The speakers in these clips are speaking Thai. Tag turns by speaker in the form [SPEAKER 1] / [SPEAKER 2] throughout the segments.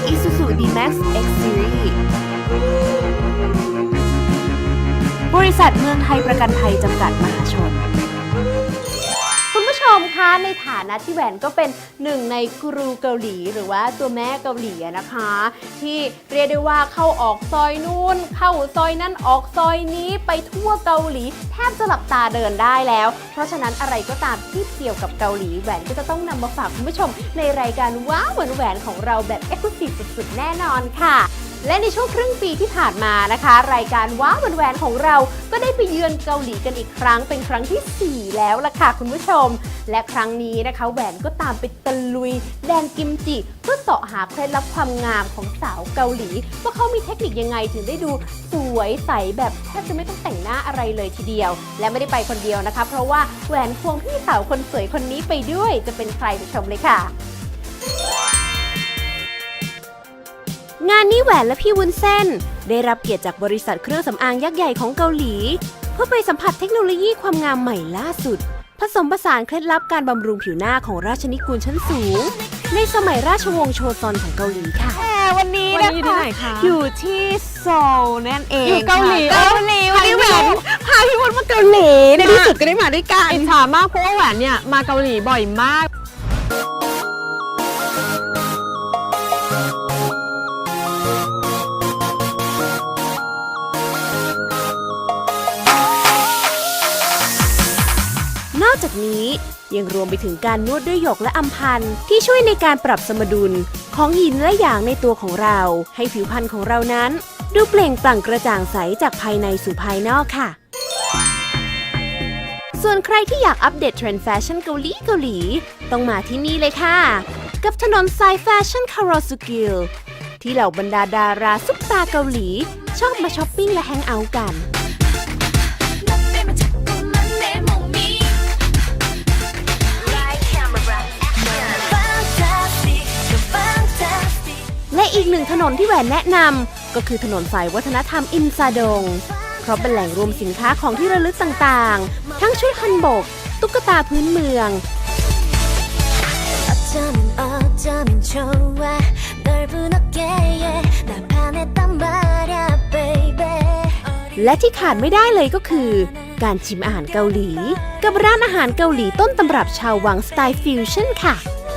[SPEAKER 1] Isuzu D-Max X Series บริษัทเมืองไทยประกันภัยจำกัดมหาชนคุณผู้ชมคะในฐานะที่แหวนก็เป็นหนึ่งในกูรูเกาหลีหรือว่าตัวแม่เกาหลีนะคะที่เรียกได้ว่าเข้าออกซอยนู่นเข้าซอยนั้นออกซอยนี้ไปทั่วเกาหลีแทบจะหลับตาเดินได้แล้วเพราะฉะนั้นอะไรก็ตามที่เกี่ยวกับเกาหลีแหวนก็จะต้องนำมาฝากคุณผู้ชมในรายการว้าวแหวนของเราแบบเอ็กซ์คลูซีฟสุดๆแน่นอนค่ะและในช่วงครึ่งปีที่ผ่านมานะคะรายการว้าวแหวนของเราก็ได้ไปเยือนเกาหลีกันอีกครั้งเป็นครั้งที่4แล้วล่ะค่ะคุณผู้ชมและครั้งนี้นะคะแหวนก็ตามไปตะลุยแดนกิมจิเพื่อเสาะหาเคล็ดลับความงามของสาวเกาหลีว่าเขามีเทคนิคยังไงถึงได้ดูสวยใสแบบแทบจะไม่ต้องแต่งหน้าอะไรเลยทีเดียวและไม่ได้ไปคนเดียวนะคะเพราะว่าแหวนควงพี่สาวคนสวยคนนี้ไปด้วยจะเป็นใครไปชมเลยค่ะงานนี้แหวนและพี่วุ้นเส้นได้รับเกียรติจากบริษัทเครื่องสำอางยักษ์ใหญ่ของเกาหลีเพื่อไปสัมผัสเทคโนโลยีความงามใหม่ล่าสุดผสมผสานเคล็ดลับการบำรุงผิวหน้าของราชนิกูลชั้นสูงในสมัยราชวงศ์โชซอนของเกาหลีค่ะวันนี้นะคะอยู่ที่โซลนั่นเอง
[SPEAKER 2] อยู่เกาหลี
[SPEAKER 1] วันนี้แหวนพาพี่วุ้นมาเกาหลีในที่สุดก็ได้มาด้วยกัน
[SPEAKER 2] อิจฉามากเพราะว่าแหวนเนี่ยมาเกาหลีบ่อยมาก
[SPEAKER 1] นอกจากนี้ยังรวมไปถึงการนวดด้วยหยกและอัมพันธ์ที่ช่วยในการปรับสมดุลของหยินและหยางในตัวของเราให้ผิวพรรณของเรานั้นดูเปล่งปลั่งกระจ่างใสจากภายในสู่ภายนอกค่ะส่วนใครที่อยากอัปเดตเทรนด์แฟชั่นเกาหลีต้องมาที่นี่เลยค่ะกับถนนสายแฟชั่นคาโรสุกิลที่เหล่าบรรดาดาราซุปตาเกาหลีชอบมาช้อปปิ้งและแฮงเอาท์กันและอีกหนึ่งถนนที่แหวนแนะนำก็คือถนนสายวัฒนธรรมอินซาดงเพราะเป็นแหล่งรวมสินค้าของที่ระลึกต่างๆทั้งชุดฮันบกตุ๊กตาพื้นเมืองและที่ขาดไม่ได้เลยก็คือการชิมอาหารเกาหลีกับร้านอาหารเกาหลีต้นตำรับชาววังสไตล์ฟิวชั่นค่ะ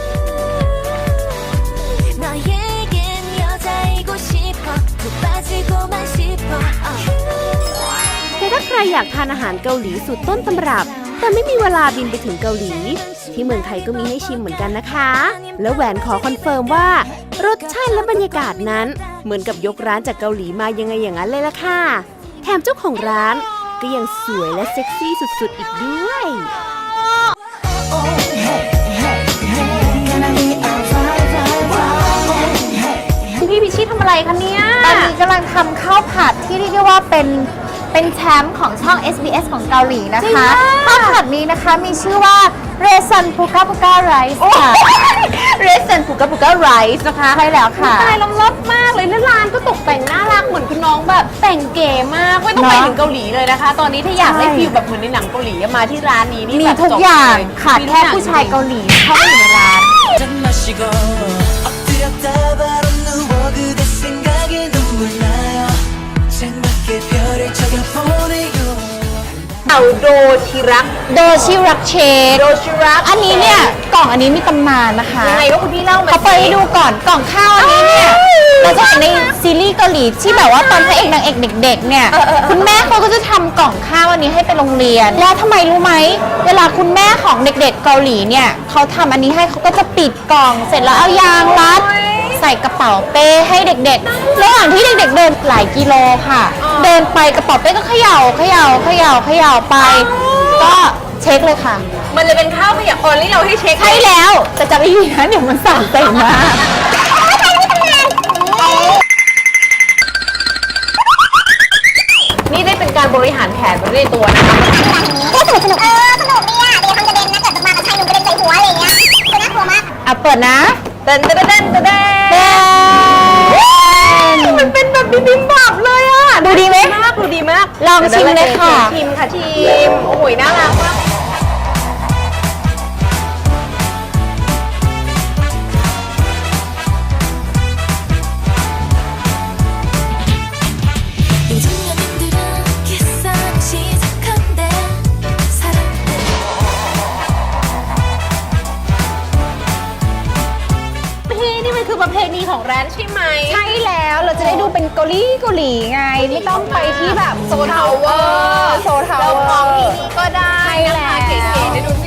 [SPEAKER 1] แต่ถ้าใครอยากทานอาหารเกาหลีสูตรต้นตำรับแต่ไม่มีเวลาบินไปถึงเกาหลีที่เมืองไทยก็มีให้ชิมเหมือนกันนะคะแล้วแหวนขอคอนเฟิร์มว่ารสชาติและบรรยากาศนั้นเหมือนกับยกร้านจากเกาหลีมายังไงอย่างนั้นเลยล่ะค่ะแถมเจ้าของร้านก็ยังสวยและเซ็กซี่สุดๆอีกด้วยพี่พิชิตทำอะไรคะเนี่ย
[SPEAKER 3] ตอนนี้กำลังทำข้าวผัดที่เรียกได้ว่าเป็นแชมป์ของช่อง SBS ของเกาหลีนะคะข้าวผัดนี้นะคะมีชื่อว่าเรซันพูกาพูกาไรซ์ค่ะ
[SPEAKER 1] เรซันพูกาพูกาไรซ์นะคะ
[SPEAKER 3] ใช่แล้วค่ะ
[SPEAKER 1] ตายล้ำลับมากเลยแล้วร้านก็ตกแต่งน่ารักเหมือนคุณน้องแบบแต่งเก๋มากไม่ต้องไปถึงเกาหลีเลยนะคะตอนนี้ถ้าอยากได้ฟิลแบบเหมือนในหนังเกาหลีมาที่ร้านนี้นี่
[SPEAKER 3] มีทุกอย่างขาดแค่ผู้ชายเกาหลีเข้ามาอยู่ในร้าน
[SPEAKER 1] โดชิรัก
[SPEAKER 3] เชคอันนี้เนี่ยกล่องอันนี้มีตำนานนะคะ
[SPEAKER 1] ยังไงว่าคุณพี่เล่ามา
[SPEAKER 3] เขาไปให้ดูก่อนกล่องข้าวอันนี้เนี่ยเราจะเห็นในซีรีส์เกาหลีที่แบบว่าตอนพระเอกนางเอกเด็กๆเนี่ยคุณแม่เขาก็จะทำกล่องข้าวอันนี้ให้ไปโรงเรียนแล้วทำไมรู้ไหมเวลาคุณแม่ของเด็กๆเกาหลีเนี่ยเขาทำอันนี้ให้เขาก็จะปิดกล่องเสร็จแล้วเอายางรัดใส่กระเป๋าเป้ให้เด็กๆระหว่างที่เด็กๆเดินหลายกิโลค่ะเดินไปกระเป๋าเป้ก็เขย่าไปก็เช็คเลยค่ะ
[SPEAKER 1] มันจะเป็นข้าวขยะออนที่เราให้เช็ค
[SPEAKER 3] ใช่แล้วแต่จะไม่ดีนะเดี๋ยวมันสั่นเต็มมาก
[SPEAKER 1] นี่ได้เป็นการบริหารแผนไว้ในตัวนะคะ
[SPEAKER 3] สนุกเนี่ยเดี๋ยวทำกระเด็นนะเกิดมากับชายหนุ่มกระเด็นใส่หัวอะไรอย่างเงี้ยคือน่ากลัวมากเปิดนะ
[SPEAKER 1] เต้นมันเป็นแบบบิมบับเลยอ่ะ
[SPEAKER 3] ดูดีไหม
[SPEAKER 1] ดูดีมาก
[SPEAKER 3] ลองชิมเลยค่ะ
[SPEAKER 1] ชิมโอ้ยน่ารักมาก
[SPEAKER 3] อาหลีไงไม่ต้องไปที่แบบ
[SPEAKER 1] โซทาวเวอร์
[SPEAKER 3] โซทาว
[SPEAKER 1] เรา
[SPEAKER 3] เวอ
[SPEAKER 1] มองที่
[SPEAKER 3] ร์
[SPEAKER 1] นี่ก็ได้นะคะเก๋ๆได้ดู